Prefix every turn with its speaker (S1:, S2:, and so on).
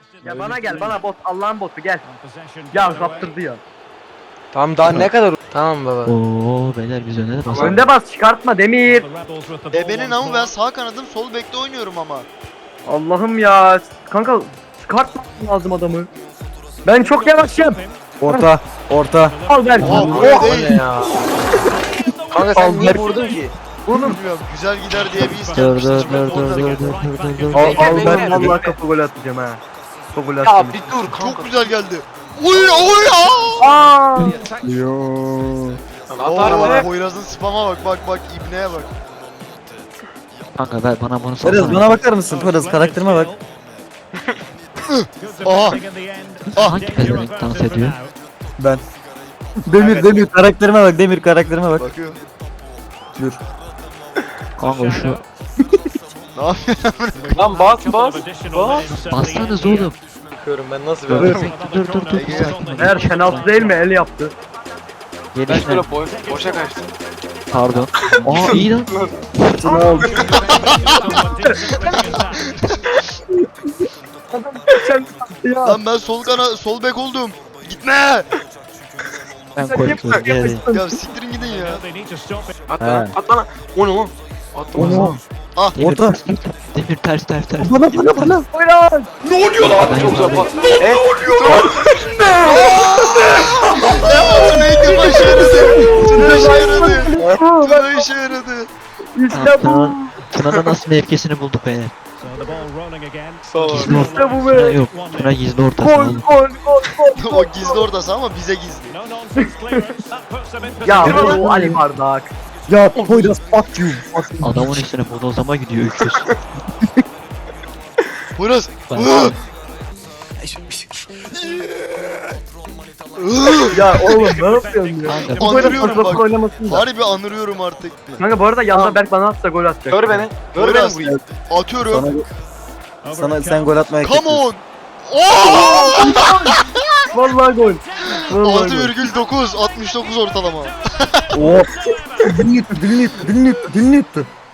S1: Ya bana gel, bana bot, Allah'ın botu gel. Ya kaptırdı ya.
S2: Tamam daha ne kadar? Tamam baba.
S3: Oo beyler biz önde de basalım.
S1: Önde bas, çıkartma Demir.
S4: Bebenin ama ben sağ kanadım sol bekte oynuyorum ama.
S1: Allah'ım ya. Kanka çıkartma lazım adamı. Ben çok yavaşım.
S5: Orta.
S1: Al ver.
S4: Oha
S1: Oh.
S4: buraya
S2: O
S4: değil.
S2: ne ya? Kanka sen niye vurdun ki?
S4: Bilmiyorum güzel gider diye bir his
S3: Dur
S4: yapmıştım.
S3: dur
S4: Ben
S3: dur
S4: orada
S3: dur dur
S4: geldim.
S3: dur dur dur.
S1: Al
S2: Bekle,
S1: ben
S2: bekle.
S1: vallahi kapı gol atacağım ha. Kapı gol
S2: Ya
S1: atacağım.
S2: bir dur kanka.
S4: Çok güzel geldi. Oy oy aa!
S1: Aa!
S5: Yo.
S2: Atar
S4: Oo,
S2: mı?
S4: Poyraz'ın spama bak ibneye bak.
S3: Kanka ver bana bunu
S5: Poyraz
S3: salsana.
S5: bana bakar mısın? Poyraz karakterime bak.
S4: Aha.
S3: Hangi pezevenk dans ediyor?
S5: Ben. Demir karakterime bak. Demir karakterime bak.
S4: Bakıyor.
S5: Dur.
S3: Kanka şu
S4: Ne yapıyor?
S2: Lan bas.
S3: bassanız oğlum.
S2: Bakıyorum ben nasıl
S5: Dur.
S2: veriyorum.
S3: Dur.
S4: Ege.
S1: Eğer Şenaltı değil mi? El yaptı.
S2: Ben
S3: Gelişine.
S2: şöyle boşa kaçtım.
S3: Pardon. Aa iyi lan.
S5: Şunu al.
S1: Ya.
S4: Lan ben sol bek oldum. Gitme.
S3: Ben korkuyorum. Gel.
S4: Ya siktirin gidin ya.
S2: At
S5: He.
S2: lan. At lan. O ne lan? At lan.
S5: Onu.
S3: Demir
S5: Orta.
S3: ters. Demir ters.
S5: Bana.
S1: Buyurun.
S2: Ne oluyor lan? Çok güzel. Ne oluyor?
S4: Tuna ilk işe yaradı. Tuna işe yaradı. Tuna işe yaradı.
S1: İşte bu.
S3: Tuna'nın nasıl mevkisini bulduk beyler.
S2: Sağ ol.
S3: Gizli orta.
S1: İşte bu
S3: Tuna
S1: be.
S3: yok. Tuna gizli ortası
S1: Gol
S3: oğlum.
S1: gol.
S4: O gizli ortası ama bize gizli.
S1: Ya bu Ali Bardak.
S5: Ya Poyraz fuck you. Fuck you.
S3: Adamın üstüne bodozlama gidiyor 300.
S4: Poyraz.
S3: Bak.
S1: Ya oğlum ne yapıyorsun ya?
S3: Kanka,
S1: Bu böyle
S4: Anırıyorum
S1: fırsatlık
S4: bak.
S1: oynamasın da.
S4: Harbi anırıyorum artık.
S1: Kanka bu arada yanda Berk bana atsa gol atacak.
S2: Gör beni. Gör beni
S4: Poyraz.
S2: burayı.
S4: Atıyorum.
S5: Sana sen gol atmaya
S4: Come on. Oh!
S1: Vallahi gol. Vallahi gol.
S4: 6,9 69 ortalama.
S5: Oh. Dilini yuttu.